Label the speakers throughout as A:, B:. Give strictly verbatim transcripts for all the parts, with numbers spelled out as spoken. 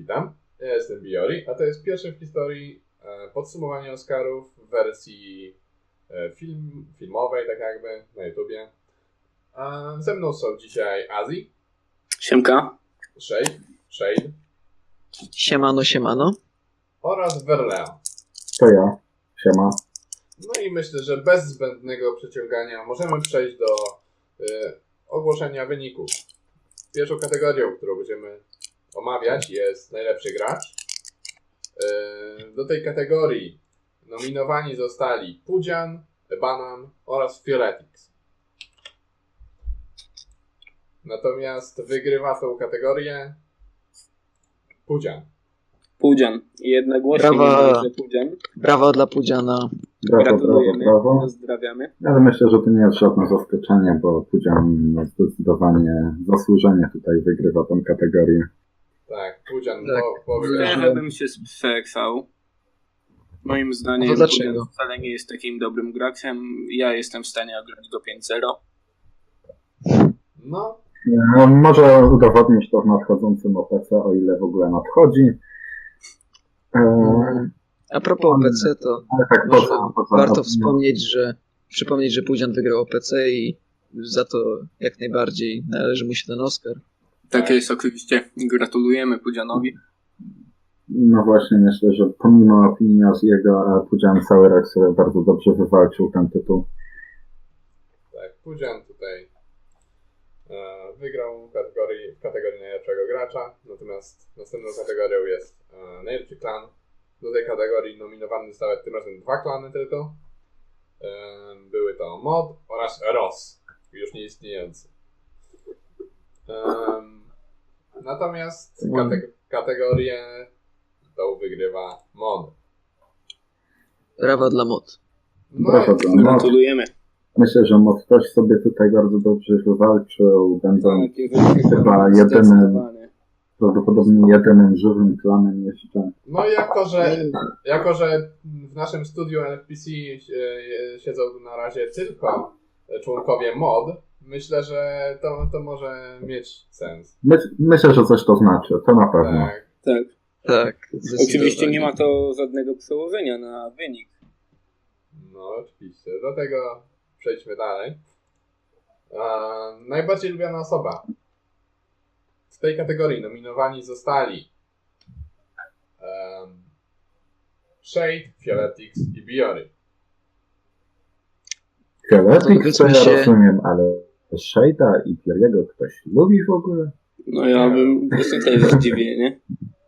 A: witam. Ja jestem Biori, a to jest pierwsze w historii e, podsumowanie Oscarów w wersji e, film, filmowej, tak jakby, na YouTubie. A ze mną są dzisiaj Azji.
B: Siemka.
A: Shade. Shade.
C: Siemano, siemano.
A: Oraz Verleo.
D: To ja. Siema.
A: No i myślę, że bez zbędnego przeciągania możemy przejść do y, ogłoszenia wyników. Pierwszą kategorią, którą będziemy omawiać, jest najlepszy gracz. Y, do tej kategorii nominowani zostali Pudzian, Banan oraz Fioletix. Natomiast wygrywa tą kategorię Pudzian.
B: Pudzian. Jednogłośnie
C: Brawa.
B: niemalże Pudzian.
C: Brawa dla Pudziana.
D: Brawo, brawo,
B: Gratulujemy.
D: brawo.
B: Pozdrawiamy.
D: Ale myślę, że to nie jest żadne zaskoczenie, bo Pudzian no, zdecydowanie zasłużenie tutaj wygrywa tę kategorię.
A: Tak, Pudzian
C: Tak.
A: po, po
B: Trochę bym się sprzeczał. Moim zdaniem
C: No to dlaczego?
B: Pudzian wcale nie jest takim dobrym graczem. Ja jestem w stanie ograć go pięć zero.
A: No,
D: No, może udowodnić to w nadchodzącym O P C, o ile w ogóle nadchodzi. Eee,
C: A propos O P C, to
D: ale tak
C: może
D: poza, poza
C: warto wspomnieć, że przypomnieć, że Pudzian wygrał O P C i za to jak najbardziej należy mu się ten Oscar.
B: Tak jest, oczywiście. Gratulujemy Pudzianowi.
D: No właśnie, myślę, że pomimo opinii z jego, Pudzian cały rok sobie bardzo dobrze wywalczył ten tytuł.
A: tak, Pudzian tutaj e, wygrał w kategorii, w kategorii najlepszego gracza, natomiast następną kategorią jest e, najlepszy klan. Do tej kategorii nominowane zostały tym razem dwa klany tylko. E, były to Mod oraz Ross, już nieistniejący. E, natomiast kate- kategorię tą wygrywa Mod.
C: Brawa dla mod.
A: No
D: Brawo
A: i-
D: dla Mod.
B: Gratulujemy.
D: Myślę, że Mod też sobie tutaj bardzo dobrze wywalczył, będąc
B: Tak, jeżeli
D: chyba jedynym,
B: zdecydowanie.
D: prawdopodobnie jedynym żywym klanem jeszcze.
A: No i jako że, jako, że w naszym studiu N F P C e, siedzą na razie tylko członkowie mod, myślę, że to, to może mieć sens.
D: My, myślę, że coś to znaczy, to na pewno.
A: Tak.
B: Tak.
C: Tak.
B: Oczywiście nie ma to żadnego przełożenia na wynik.
A: No oczywiście. Do tego przejdźmy dalej. A, najbardziej lubiana osoba. W tej kategorii nominowani zostali um, Shade, Fioletix i Biori.
D: Fioletix to ja
C: się-
D: rozumiem, ale Shade'a i Pieriego ktoś lubi w ogóle?
B: No ja bym właśnie też zdziwienie.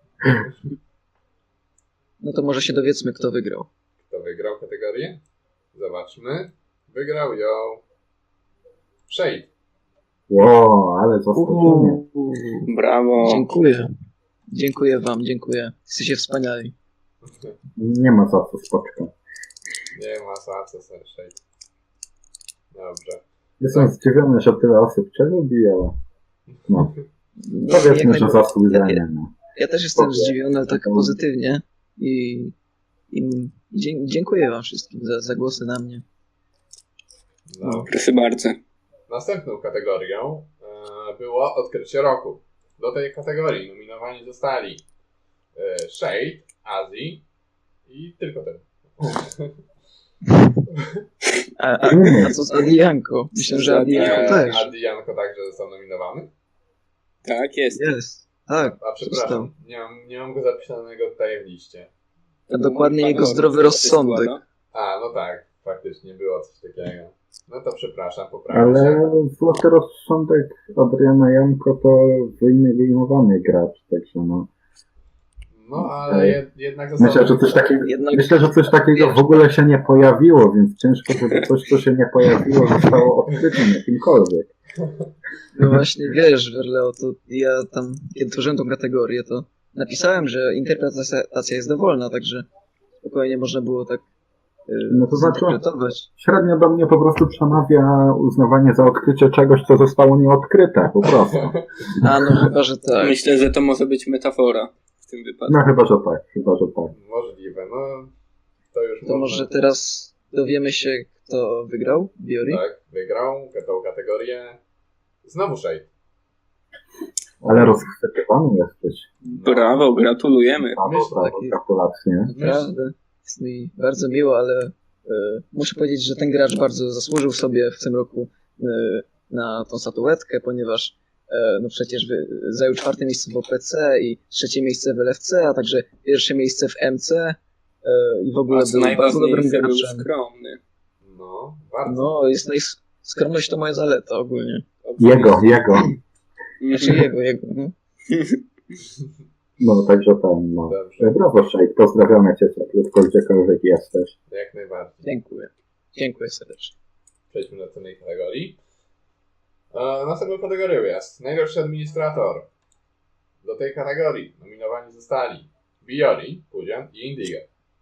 C: No to może się dowiedzmy, kto wygrał.
A: Kto wygrał kategorię? Zobaczmy. Wygrał ją Shade.
D: Ło, ale zaskoczenie.
B: Brawo.
C: Dziękuję. Dziękuję wam, dziękuję. Jesteście wspaniali.
D: Nie ma za co, spoczko.
A: Nie ma za co, Shade. Dobrze.
D: Jestem zdziwiony, że tyle osób cię lubi, ale no,
C: Jak
D: powiedzmy, że
C: najbardziej.
D: zasłużenie. No.
C: Ja też jestem
D: Spoko.
C: zdziwiony, ale tak pozytywnie. I, i dzie- dziękuję wam wszystkim za, za głosy na mnie.
A: No.
B: Proszę bardzo.
A: Następną kategorią e, było odkrycie roku. Do tej kategorii nominowani zostali e, Shade, Azji i tylko ten.
C: A, a, a co z Adianko? Myślę, że Adianko
A: E,
C: też.
A: A Dianko także został nominowany.
B: Tak jest.
C: Jest. Tak.
A: A przepraszam, nie mam, nie mam go zapisanego tutaj w liście.
C: A dokładnie jego
B: Panowie,
C: zdrowy
B: co się
C: rozsądek.
B: składa?
A: A, no tak, faktycznie było coś takiego. No to przepraszam, poprawię
D: Ale
A: się.
D: złoty rozsądek Adriana Janko to wyjmy- wyjmowany gracz, także no.
A: No, ale jed, jednak został...
D: Myślę, że coś takiego,
C: Jednak
D: myślę, że coś takiego w ogóle się nie pojawiło, więc ciężko, żeby coś, co się nie pojawiło, zostało odkrytym jakimkolwiek.
C: no właśnie wiesz, Werleo, to ja tam, kiedy tworzyłem tą kategorię, to napisałem, że interpretacja jest dowolna, także spokojnie można było tak yy,
D: No to znaczy-
C: zinterpretować.
D: Średnio do mnie po prostu przemawia uznawanie za odkrycie czegoś, co zostało nieodkryte, po prostu.
C: A no chyba, że tak.
B: Myślę, że to może być metafora w tym wypadku.
D: No chyba, że tak, chyba, że tak.
A: Możliwe, no to już
C: To
A: można-
C: może teraz dowiemy się, kto wygrał? Biori?
A: Tak, wygrał tą kategorię znowu Shade.
D: Ale rozchwytywany jesteś.
B: Brawo, gratulujemy.
D: Brawo,
A: Myślę,
D: brawo,
C: taki-
D: gratulacje.
C: Naprawdę. Jest mi bardzo miło, ale e, muszę powiedzieć, że ten gracz bardzo zasłużył sobie w tym roku e, na tą statuetkę, ponieważ e, no przecież wy, zajął czwarte miejsce w O P C i trzecie miejsce w L F C, a także pierwsze miejsce w M C e, i w ogóle
B: A co
C: był bardzo dobrym
B: najważniejsze, był
C: graczem.
B: skromny.
A: No, bardzo.
C: No, jest najs- skromność to moja zaleta ogólnie.
D: Jego, jego.
C: Znaczy jego, jego. No.
D: No, także ten, no.
A: Dobrze,
D: Brawo, Shake, pozdrawiamy cię cieplutko, gdziekolwiek jesteś.
A: jak najbardziej.
C: Dziękuję. Dziękuję serdecznie.
A: Przejdźmy do następnej kategorii. E, następną kategorią jest najlepszy administrator. Do tej kategorii nominowani zostali Biori, Pudzian i Indigo.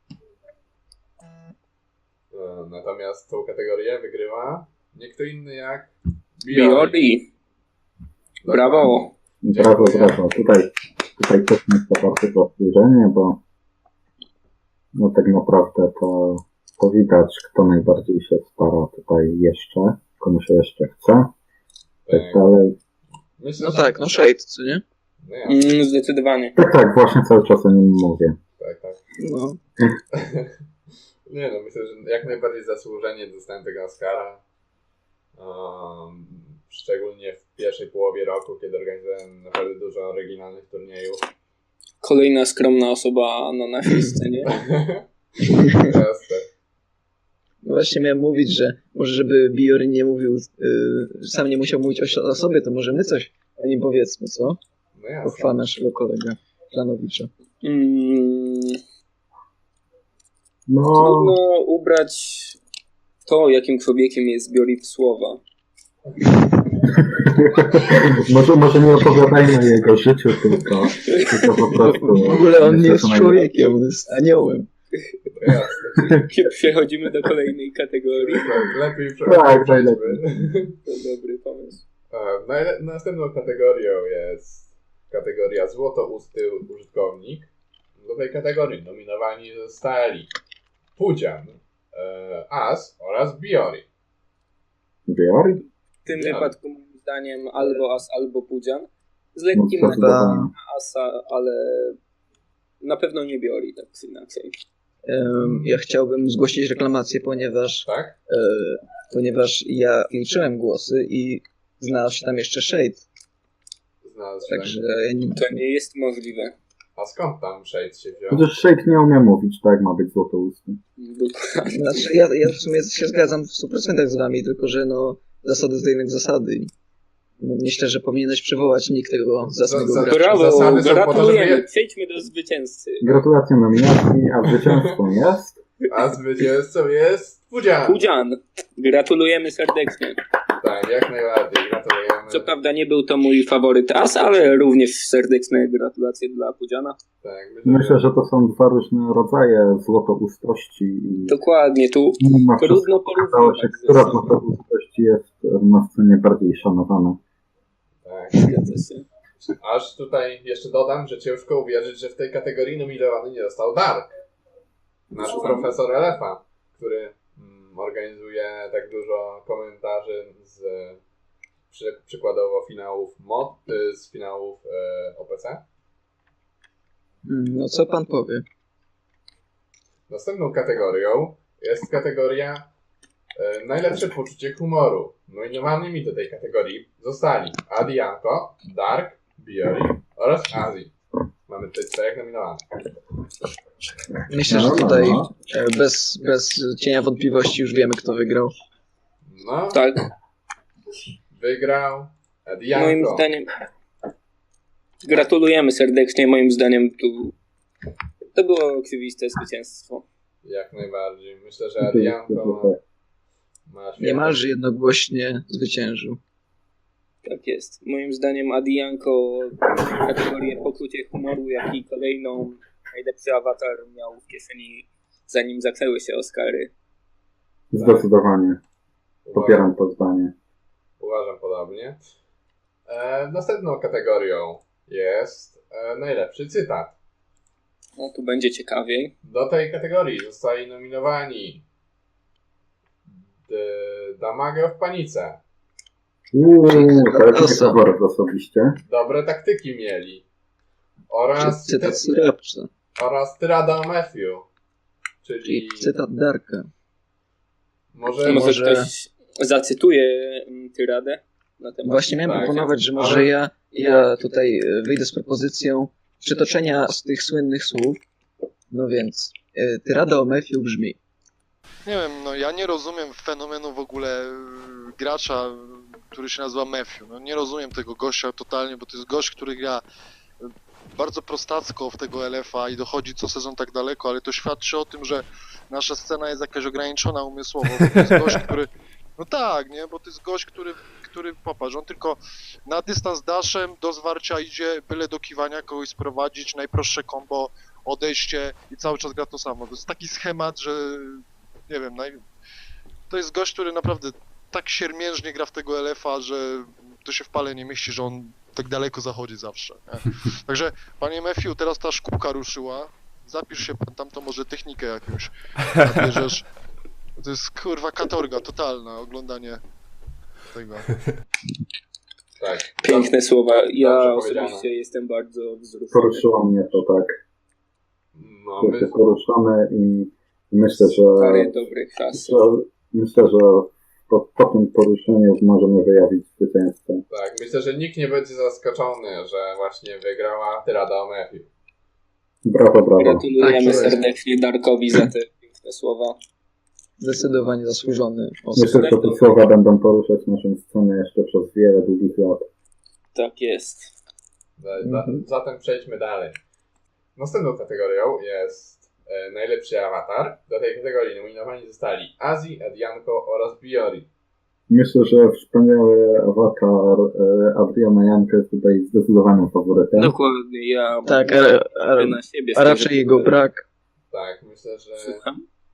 A: E, natomiast tą kategorię wygrywa nie kto inny jak Biori.
B: Biori. Brawo.
D: Brawo,
A: Dziękuję.
D: brawo. Tutaj, tutaj też jest to bardzo zasłużenie, bo no tak naprawdę to, to widać, kto najbardziej się stara tutaj jeszcze, komu się jeszcze chce, tak
A: Tak.
D: dalej.
A: Myślę,
C: No
A: że-
C: tak, no Shade, co nie?
A: No ja,
B: Mm, zdecydowanie.
D: Tak, tak, właśnie cały czas o nim mówię.
A: tak, tak.
C: No.
A: Nie no, myślę, że jak najbardziej zasłużenie dostałem tego Oscara. Um, szczególnie w pierwszej połowie roku, kiedy organizowałem naprawdę dużo oryginalnych turniejów.
B: Kolejna skromna osoba na naszej scenie.
A: Teraz te-
C: No właśnie miałem mówić, że może żeby Biori nie mówił, yy, sam nie musiał mówić o, o sobie, to może my coś o nim powiedzmy, co?
A: No jasne.
C: Pochwała naszego kolega Planowicza.
B: Mm,
D: No,
B: trudno ubrać to, jakim człowiekiem jest Biori w słowa.
D: może, może nie opowiadajmy o jego życiu, tylko, tylko po prostu...
C: W ogóle on nie
D: myślę,
C: jest
D: że naj-
C: człowiekiem, on jest aniołem.
A: To jasne.
B: Przechodzimy do kolejnej kategorii.
A: Tak, lepiej
D: Tak,
A: przejdźmy.
B: To dobry pomysł.
A: E, najle- Następną kategorią jest kategoria złotousty użytkownik. Do tej kategorii nominowani zostali Pudzian, e, As oraz Biori.
D: Biori?
B: W tym
A: Ja.
B: wypadku moim zdaniem albo As, albo Pudzian. Z
D: No,
B: lekkim naciskiem
D: zdecydowanie.
B: na Asa, ale na pewno nie Biori, tak czy inaczej.
C: Em, Ja chciałbym zgłosić reklamację, ponieważ,
A: Tak?
C: e, ponieważ ja liczyłem głosy i znalazł się tam jeszcze Shade,
A: Znalazł się
C: także
A: tak.
C: ja nie,
B: To nie jest możliwe.
A: A skąd tam Shade się wziął?
D: Chociaż Shake nie umie mówić, tak ma być złotousty.
B: Dokładnie.
C: znaczy ja, ja w sumie się zgadzam w stu procentach z wami, tylko że no zasady to jednak zasady. No, myślę, że powinieneś przywołać nick tego zacnego
A: Za- za-
C: gracza.
B: Brawo,
A: Zasady są po to,
B: gratulujemy.
A: żeby-
B: Przejdźmy do zwycięzcy.
D: Gratulacje nominacji, a zwycięzcą jest...
A: A zwycięzcą jest Pudzian.
B: Pudzian, gratulujemy serdecznie.
A: Tak, jak najbardziej. Gratulujemy.
B: Co prawda nie był to mój faworyt As, ale również serdeczne gratulacje dla Pudziana.
A: Tak, myślę,
D: Myślę, że to są dwa różne rodzaje złotoustości i
B: Dokładnie, tu
D: mimo wszystko
B: trudno
D: okazało się,
B: porównywać.
D: która
B: ze
D: z
B: sobą.
D: złotoustości jest na scenie bardziej szanowana.
A: tak.
B: Zgadza się.
A: Aż tutaj jeszcze dodam, że ciężko uwierzyć, że w tej kategorii nominowany nie został Dark. Nasz
B: Słucham?
A: profesor L F a, który mm, organizuje tak dużo komentarzy z przy, przykładowo finałów M O D, y, z finałów e, O P C.
C: Mm, No co pan powie?
A: Następną kategorią jest kategoria e, najlepsze poczucie humoru. Nominowanymi do tej kategorii zostali Adianko, Dark, Biori oraz Azji. Mamy tutaj czterech nominowanych.
C: Myślę, że
D: No, no,
C: tutaj
D: no.
C: e, bez, bez cienia wątpliwości już wiemy, kto wygrał.
A: No,
B: Tak,
A: wygrał
B: moim
A: Adianko.
B: zdaniem. Gratulujemy serdecznie. Moim zdaniem tu to było oczywiste zwycięstwo.
A: Jak najbardziej. Myślę, że Adianko ma, ma świetne-
C: Niemalże jednogłośnie zwyciężył.
B: Tak jest. Moim zdaniem Adianko kategorię poczucie humoru, jak i kolejną najlepszy awatar miał w kieszeni, zanim zaczęły się Oscary.
D: Zdecydowanie. Popieram to zdanie.
A: Uważam podobnie. E, następną kategorią jest e, najlepszy cytat.
B: No tu będzie ciekawiej.
A: Do tej kategorii zostali nominowani D- Damago w panice,
D: Uuu, to jest
C: Osa.
D: faworyt osobiście.
A: Dobre taktyki mieli. Oraz,
C: Cytat Syrapsa,
A: oraz Tyrada Matthew. Czyli
C: czyli cytat Darka.
A: może,
B: Może,
C: może-
B: ktoś zacytuje mm, tyradę na temat.
C: Właśnie miałem
A: Tak.
C: proponować, że może
A: Ale-
C: ja, ja tutaj e, wyjdę z propozycją przytoczenia z tych słynnych słów. No więc, e, tyrada o Matthew brzmi:
E: Nie wiem, no ja nie rozumiem fenomenu w ogóle y, gracza, y, który się nazywa Matthew. No nie rozumiem tego gościa totalnie, bo to jest gość, który gra y, bardzo prostacko w tego L F A i dochodzi co sezon tak daleko, ale to świadczy o tym, że nasza scena jest jakaś ograniczona umysłowo, bo to jest gość, który... No tak, nie, bo to jest gość, który, który popatrz, on tylko na dystans daszem do zwarcia idzie, byle do kiwania kogoś sprowadzić, najprostsze combo, odejście i cały czas gra to samo. To jest taki schemat, że nie wiem, naj... to jest gość, który naprawdę tak siermiężnie gra w tego L F A, że to się w pale nie mieści, że on tak daleko zachodzi zawsze. Nie? Także, panie Matthew, teraz ta szkółka ruszyła, zapisz się pan tam, to może technikę jakąś nabierzesz. To jest kurwa katorga totalna, oglądanie tego.
A: tak.
B: Piękne słowa. Ja
A: Dobrze
B: osobiście
A: powiedziane.
B: jestem bardzo wzruszony.
D: Poruszyło mnie to tak.
A: No,
D: Czuję się
A: my,
D: poruszony i myślę, że,
B: Stary, dobry czas.
D: że myślę, że po, po tym poruszeniu możemy wyjawić zwycięzcę.
A: tak, myślę, że nikt nie będzie zaskoczony, że właśnie wygrała Tyrada o Matthew.
D: Brawo, brawo.
B: Gratulujemy
C: Tak, to jest.
B: serdecznie Darkowi za te piękne słowa.
C: Zdecydowanie zasłużony osób.
D: Myślę, że te słowa będą poruszać naszą scenę jeszcze przez wiele długich lat.
B: Tak jest.
A: Za- za-
C: Mhm.
A: Zatem przejdźmy dalej. Następną kategorią jest e, najlepszy awatar. Do tej kategorii nominowani zostali Azji, Adianko oraz Biori.
D: Myślę, że wspaniały awatar e, Adriana Janka jest tutaj zdecydowanym faworytem.
B: Dokładnie, ja
C: Tak, a, a,
B: na siebie
C: a raczej jego brak.
A: Tak, myślę, że...
B: Słucham?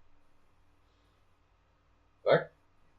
A: Tak?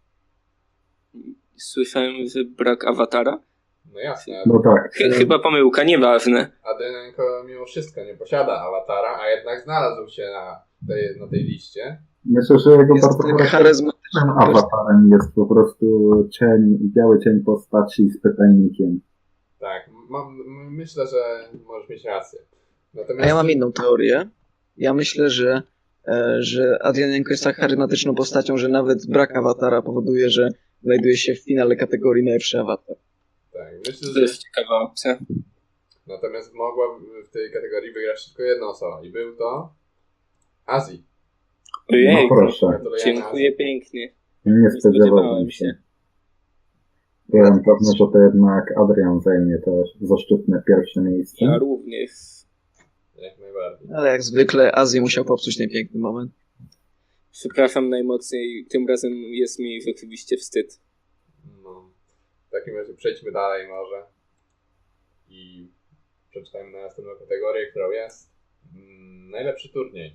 B: Słyszałem, że brak awatara?
A: No jasne.
D: No tak.
B: Ch- chyba pomyłka, nieważne.
A: Adianko mimo wszystko nie posiada awatara, a jednak znalazł się na tej, na tej liście.
D: Myślę, że jego
C: Jest
D: bardzo charyzmatycznym
C: charyzmatyczny.
D: awatarem jest po prostu cień, biały cień postaci z pytajnikiem.
A: Tak, mam, m- myślę, że możesz mieć rację.
C: A
A: Natomiast
C: ja mam inną teorię. Ja myślę, że, e, że Adrianenko jest tak charyzmatyczną postacią, że nawet brak awatara powoduje, że znajduje się w finale kategorii najlepszy awatar.
A: tak, myślę,
B: To
A: że
B: jest ciekawa opcja.
A: natomiast mogła w- w tej kategorii wygrać tylko jedna osoba i był to Azji.
B: Ojej,
D: No proszę,
A: Gratulujemy
B: dziękuję
A: Azji.
B: pięknie.
D: nie
B: Nie
D: spodziewałbym
B: spodziewałem
D: się.
B: się.
D: Byłem pewny, że to jednak Adrian zajmie to zaszczytne pierwsze miejsce.
B: Ja również.
A: Jak najbardziej.
C: Ale jak zwykle Azji musiał popsuć ten piękny moment.
B: Przepraszam najmocniej, tym razem jest mi rzeczywiście wstyd.
A: No, w takim razie przejdźmy dalej może i przeczytajmy na następną kategorię, którą jest mm, najlepszy turniej.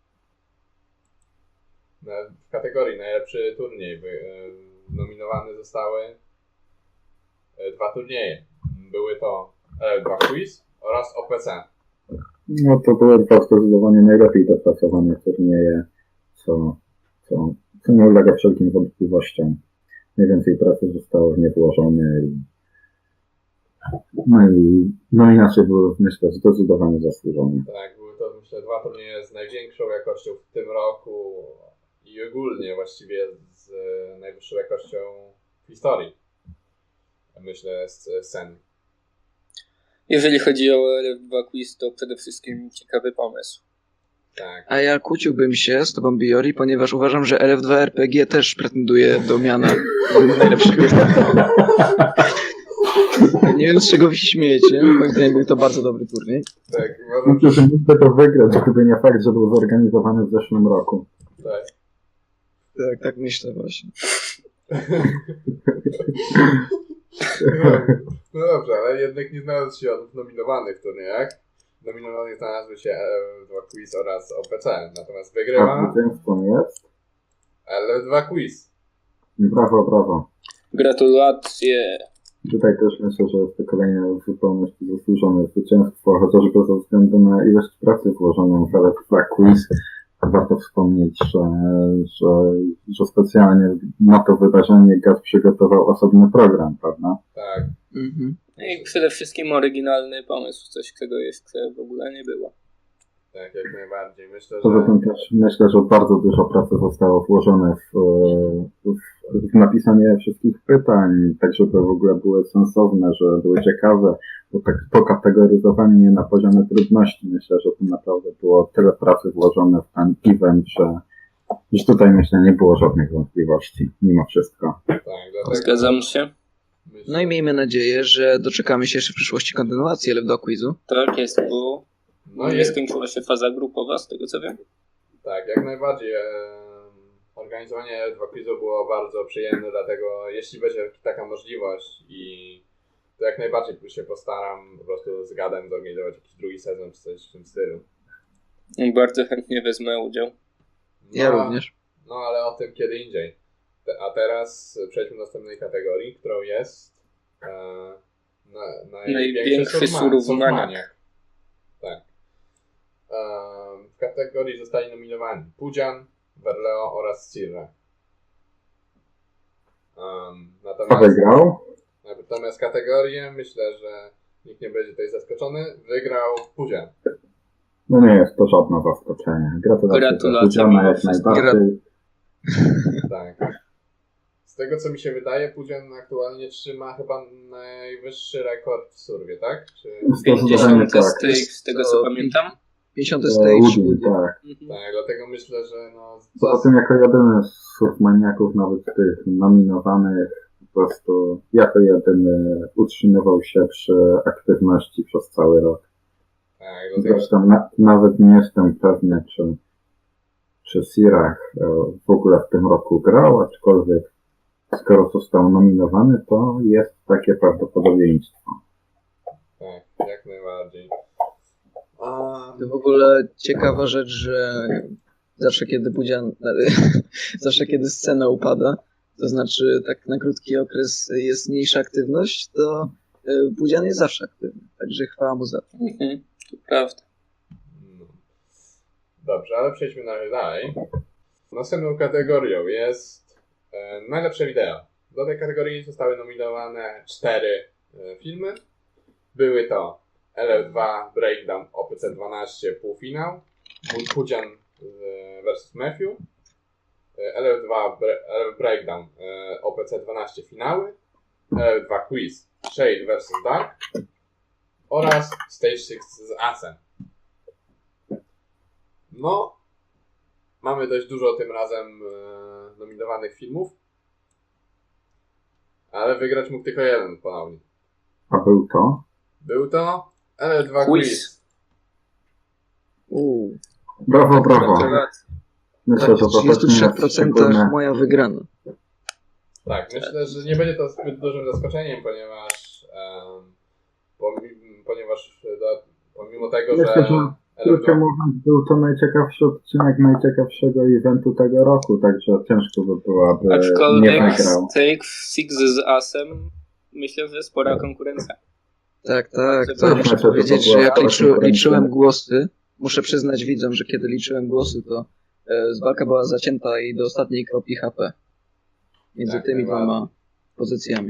A: Na, w kategorii najlepszy turniej wy, e, nominowane zostały e, dwa turnieje. Były to L F dwa Quiz oraz O P C.
D: No to były dwa zdecydowanie najlepiej dopracowane turnieje, co, co, co nie ulega wszelkim wątpliwościom. Najwięcej pracy zostało w nie włożone i no i nominacje były, myślę, zdecydowanie zasłużone.
A: Tak, były to myślę dwa turnieje z największą jakością w tym roku i ogólnie właściwie z e, najwyższą jakością w historii. Myślę z z sceny.
B: Jeżeli chodzi o L F dwa Quiz, to przede wszystkim ciekawy pomysł.
A: Tak.
C: A ja kłóciłbym się z tobą, Biori, ponieważ uważam, że L F dwa R P G też pretenduje do miana najlepszego. Nie wiem, z czego wy się śmiejecie. Moim zdaniem był to bardzo dobry turniej.
A: Tak, uważam,
D: Myślę,
A: że
D: że mógłby to wygrać, gdyby nie fakt, że był zorganizowany w zeszłym roku.
A: tak.
C: Tak, tak myślę właśnie.
A: No, no dobrze, ale jednak nie znalazł się on w nominowanych turniejach. Nominowanych znalazły się L F dwa Quiz oraz O P C. Natomiast
D: A
A: wygrywa
D: zwycięzcą jest?
A: L F dwa Quiz.
D: Brawo, brawo.
B: Gratulacje.
D: Tutaj też myślę, że jest to kolejne w zupełności zasłużone zwycięstwo, chociażby ze względu na ilość pracy włożoną w L F dwa Quiz. warto wspomnieć, że, że, że specjalnie na to wydarzenie G A T przygotował osobny program, prawda?
A: Tak.
C: Mhm.
B: No i przede wszystkim oryginalny pomysł, coś, czego jeszcze w ogóle nie było.
A: Tak, jak najbardziej. Myślę,
D: Poza
A: że...
D: tym też myślę, że bardzo dużo pracy zostało włożone w, w, w napisanie wszystkich pytań, tak żeby w ogóle były sensowne, żeby były ciekawe, bo tak pokategoryzowanie je na poziomie trudności, myślę, że tu naprawdę było tyle pracy włożone w ten event, że, że tutaj myślę nie było żadnych wątpliwości, mimo wszystko.
A: Tak, dlatego...
B: Zgadzam się.
A: Myślę,
C: No i miejmy nadzieję, że doczekamy się jeszcze w przyszłości kontynuacji L F D Quizu.
B: Tak jest, bo
A: No
B: nie
A: jest,
B: skończyła się faza grupowa, z tego co wiem.
A: tak, jak najbardziej. E, organizowanie dwa quizu było bardzo przyjemne, dlatego jeśli będzie taka możliwość i to jak najbardziej się postaram po prostu z gadem zorganizować jakiś drugi sezon czy coś w tym stylu.
B: I bardzo chętnie wezmę udział.
A: No,
C: Ja również.
A: No ale o tym kiedy indziej. Te, a teraz przejdźmy do następnej kategorii, którą jest e, na,
B: Największy surowmaniak.
A: Tak. E, w kategorii zostali nominowani Pudzian, Verleo oraz Cirre. Um,
D: Kto
A: natomiast,
D: wygrał?
A: natomiast kategorię, myślę, że nikt nie będzie tutaj zaskoczony, wygrał Pudzian.
D: No nie jest to żadne zaskoczenie. Gratulacje dla
B: Gratulacje
D: Pudziana
B: mimo
D: jak
B: wszystko.
D: najbardziej.
A: Tak. Z tego co mi się wydaje, Pudzian aktualnie trzyma chyba najwyższy rekord w surwie, tak? Czy...
B: pięćdziesiąty
D: tak.
B: stage, z tego co
C: To
B: pamiętam.
C: pięćdziesiąty
D: E,
C: stage.
D: Woody, tak.
B: Mhm.
A: Tak, dlatego myślę, że no...
D: Poza tym jako jedyny z surfmaniaków, nawet tych nominowanych, po prostu jako jedyny utrzymywał się przy aktywności przez cały rok.
A: Tak, dlatego...
D: Zresztą na, nawet nie jestem pewny, czy, czy Sirach e, w ogóle w tym roku grał, aczkolwiek skoro został nominowany, to jest takie prawdopodobieństwo.
A: Tak, jak najbardziej. A...
C: To w ogóle ciekawa rzecz, że zawsze kiedy Pudzian, zawsze kiedy scena upada, to znaczy tak na krótki okres jest mniejsza aktywność, to Pudzian jest zawsze aktywny. Także chwała mu za to.
B: Mhm. To prawda.
A: No. Dobrze, ale przejdźmy na razie dalej. Następną kategorią jest e, najlepsze wideo. Do tej kategorii zostały nominowane cztery e, filmy. Były to L F dwa Breakdown O P C dwanaście półfinał, Mój Pudzian e, versus Matthew, e, L F dwa Bre- L F Breakdown e, O P C dwanaście finały, L F dwa Quiz Shade versus Dark oraz Stage six z Asem. No, mamy dość dużo tym razem e, nominowanych filmów, ale wygrać mógł tylko jeden ponownie.
D: A był to?
A: Był to L F dwa
B: Quiz.
A: Quiz.
C: Uuu,
D: Brawo, brawo.
B: Gratulacje.
D: Myślę,
C: tak,
D: że
C: w
D: to
C: trzydziestu
D: też nie
C: trzech
D: jest
C: procentach
D: szczególne.
C: moja wygrana.
A: Tak, myślę, że nie będzie to zbyt dużym zaskoczeniem, ponieważ em, pomimo, ponieważ do, pomimo tego,
D: Myślę,
A: że
D: że
A: L F
D: krótko
A: dwa,
D: mówiąc, był to najciekawszy odcinek najciekawszego eventu tego roku, także ciężko by było, aby nie
B: Aczkolwiek
D: wygrał.
B: Take Six z Asem myślę, że spora konkurencja.
C: Tak, tak.
B: Tak,
C: To
B: tak,
C: muszę
D: tak, to
C: powiedzieć,
D: była
C: że jak
D: cała
C: liczy,
D: konkurencja.
C: liczyłem głosy, muszę przyznać widzom, że kiedy liczyłem głosy, to e, walka była zacięta i do ostatniej kropli H P. Między
A: Tak,
C: tymi
A: najbardziej.
C: dwoma pozycjami.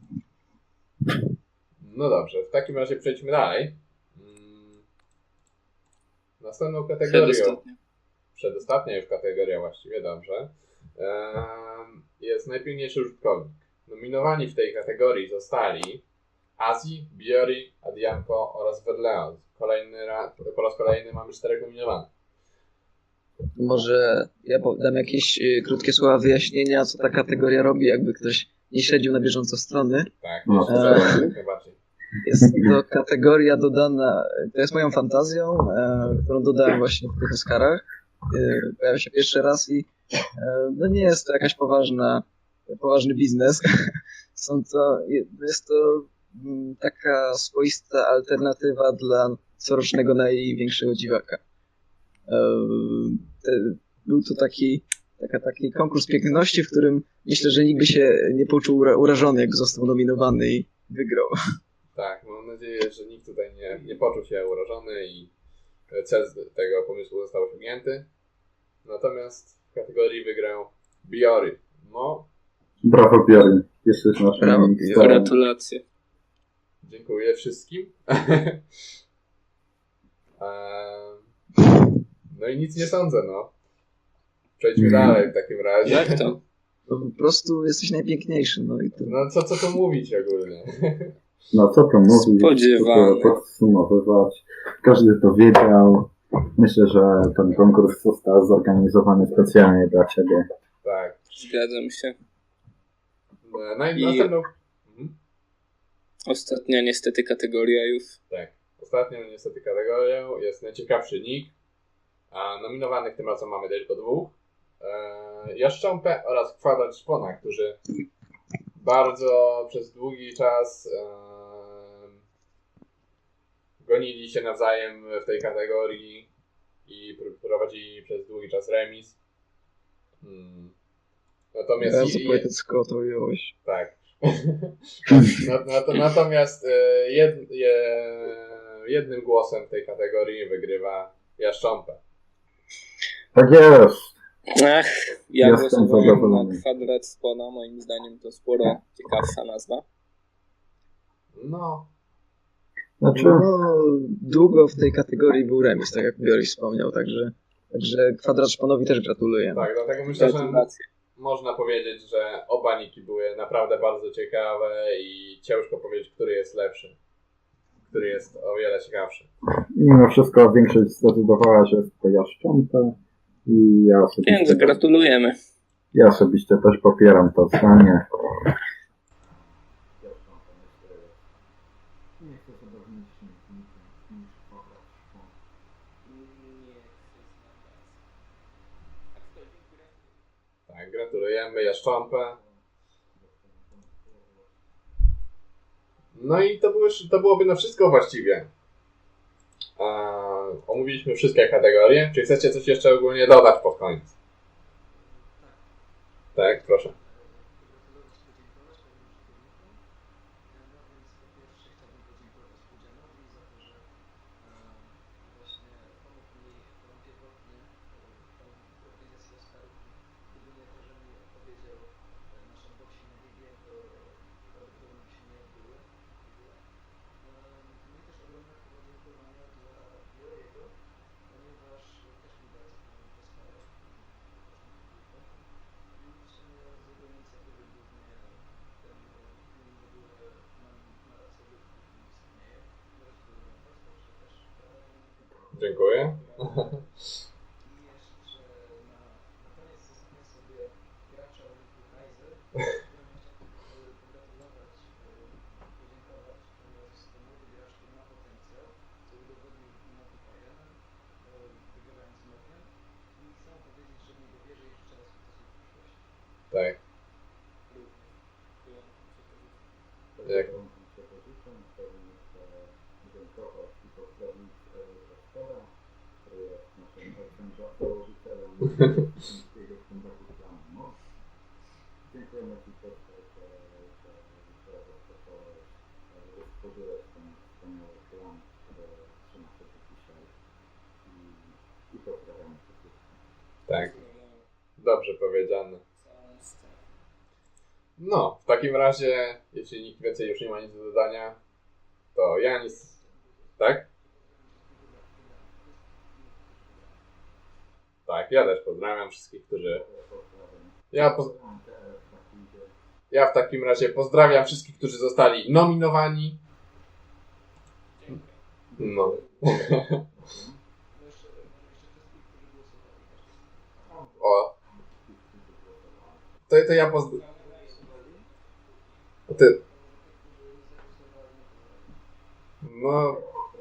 A: no dobrze, w takim razie przejdźmy dalej. Mm, Następną kategorią,
B: Przedostatnia.
A: przedostatnia już kategoria właściwie, dobrze, em, jest najpilniejszy użytkownik. Nominowani w tej kategorii zostali Azji, Biori, Adianko oraz Verleo. Kolejny raz, po raz kolejny mamy czterech nominowanych.
C: Może ja dam jakieś y, krótkie słowa wyjaśnienia, co ta kategoria robi, jakby ktoś nie śledził na bieżąco strony.
A: Tak,
D: No,
A: jeszcze
C: eee.
A: raz, jak najbardziej.
C: Jest to kategoria dodana, to jest moją fantazją, e, którą dodałem właśnie w tych Oscarach. E, pojawia się pierwszy raz i e, no nie jest to jakaś poważna, poważny biznes. Są to, jest to mm, taka swoista alternatywa dla corocznego największego dziwaka. E, te, był to taki, taka, taki konkurs piękności, w którym myślę, że nikt by się nie poczuł ura- urażony, jak został nominowany i wygrał.
A: Tak, mam nadzieję, że nikt tutaj nie, nie poczuł się urażony i cel z tego pomysłu został osiągnięty. Natomiast w kategorii wygrał Biory. No,
D: Brawo, Bjorn. Jesteś naszym
C: Brawo,
D: mistrzem.
B: Gratulacje.
A: dziękuję wszystkim. Eee, no i nic nie sądzę, no. Przejdźmy
D: Mm.
A: dalej w takim razie.
B: Jak to?
C: No, po prostu jesteś najpiękniejszy, no i to...
A: No co, co tu mówić ogólnie?
D: No co to mówić?
B: Spodziewany.
D: Co to podsumowywać? Każdy to wiedział. Myślę, że ten konkurs został zorganizowany specjalnie dla Ciebie.
A: Tak.
B: Zgadzam się.
A: E, Naj,
B: I-
A: Następną... Mhm.
B: Ostatnia niestety kategoria już.
A: Tak. Ostatnią niestety kategorią jest najciekawszy nick. A nominowanych tym razem mamy tylko dwóch. E, Jaszcząpę oraz Kwadrat Szpona, którzy bardzo przez długi czas e, gonili się nawzajem w tej kategorii i pr- prowadzili przez długi czas remis. Hmm. Natomiast
C: Bardzo
A: i- i-
C: poetycko to ująłeś.
A: tak. Nat- nat- Natomiast e, jed, je, jednym głosem w tej kategorii wygrywa Jaszcząpę.
D: Tak jest.
B: Ach, ja
D: Jestem
B: głosowałem na
D: zadowolony.
B: Kwadrat Spona. Moim zdaniem to sporo ciekawsza nazwa.
A: No,
D: Znaczy,
C: No, długo w tej kategorii był remis, tak jak Bioris wspomniał, także, także Kwadrat Szponowi też gratuluję.
A: tak, dlatego myślę, że
B: Gratulacje.
A: można powiedzieć, że oba niki były naprawdę bardzo ciekawe i ciężko powiedzieć, który jest lepszy. Który jest o wiele ciekawszy.
D: mimo wszystko większość zdecydowała, że jest to Jaszcząpę i ja
B: Więc
D: osobiście,
B: gratulujemy.
D: ja osobiście też popieram to zdanie.
A: Tak, gratulujemy Jaszcząpę. No i to, były, to byłoby na wszystko właściwie. A, omówiliśmy wszystkie kategorie. Czy chcecie coś jeszcze ogólnie dodać pod koniec? Tak, proszę. Dziękuję. Tak. Jak?
D: Dziękujemy Ci też, że stworzyłeś ten wspaniały plan, który trzyma się do dzisiaj i pozdrawiamy wszystkich.
A: Tak. Dobrze powiedziane. No, w takim razie, jeśli nikt więcej już nie ma nic do dodania, to ja nic... Tak? Tak, ja też pozdrawiam wszystkich, którzy... Ja, poz... ja w takim razie pozdrawiam wszystkich, którzy zostali nominowani. No. O. To, to ja pozdrawiam. Ty. No.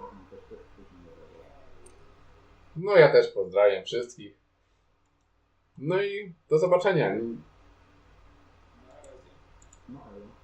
A: No ja też pozdrawiam wszystkich. No i do zobaczenia.
D: No, ale